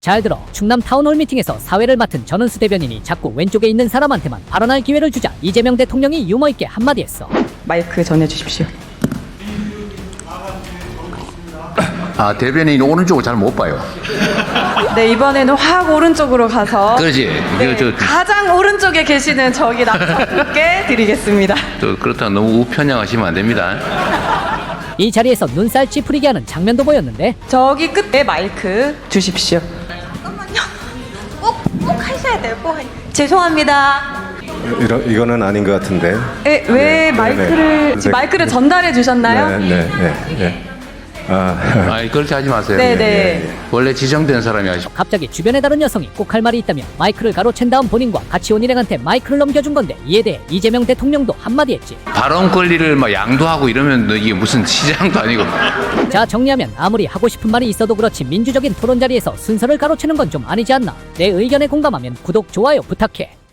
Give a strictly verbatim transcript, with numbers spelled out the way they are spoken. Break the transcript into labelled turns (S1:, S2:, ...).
S1: 잘 들어. 충남 타운홀 미팅에서 사회를 맡은 전은수 대변인이 자꾸 왼쪽에 있는 사람한테만 발언할 기회를 주자 이재명 대통령이 유머있게 한마디 했어.
S2: 마이크 전해주십시오.
S3: 아, 대변인이 오른쪽을 잘 못 봐요.
S2: 네, 이번에는 확 오른쪽으로 가서
S3: 그렇지.
S2: 네,
S3: 이거 저,
S2: 가장 오른쪽에 계시는 저기 남자분께 드리겠습니다.
S3: 저 그렇다고 너무 우편향하시면 안 됩니다.
S1: 이 자리에서 눈살 찌푸리게 하는 장면도 보였는데
S2: 저기 끝에 마이크 주십시오.
S4: 잠깐만요. 꼭, 꼭 하셔야 돼요. 꼭. 하- 죄송합니다.
S5: 이러, 이거는 아닌 것 같은데.
S2: 에, 왜
S5: 네,
S2: 마이크를
S5: 네,
S2: 지금
S5: 네.
S2: 마이크를 전달해 주셨나요?
S5: 네, 네, 네, 네. 아,
S3: 아니, 그렇게 하지 마세요.
S2: 네, 네.
S3: 예, 예. 원래 지정된 사람이 하시.
S1: 갑자기 주변에 다른 여성이 꼭 할 말이 있다며 마이크를 가로챈 다음 본인과 같이 온 일행한테 마이크를 넘겨준 건데 이에 대해 이재명 대통령도 한마디 했지.
S3: 발언 권리를 막 양도하고 이러면 너 이게 무슨 시장도 아니고.
S1: 자, 정리하면 아무리 하고 싶은 말이 있어도 그렇지 민주적인 토론 자리에서 순서를 가로채는 건 좀 아니지 않나. 내 의견에 공감하면 구독, 좋아요 부탁해.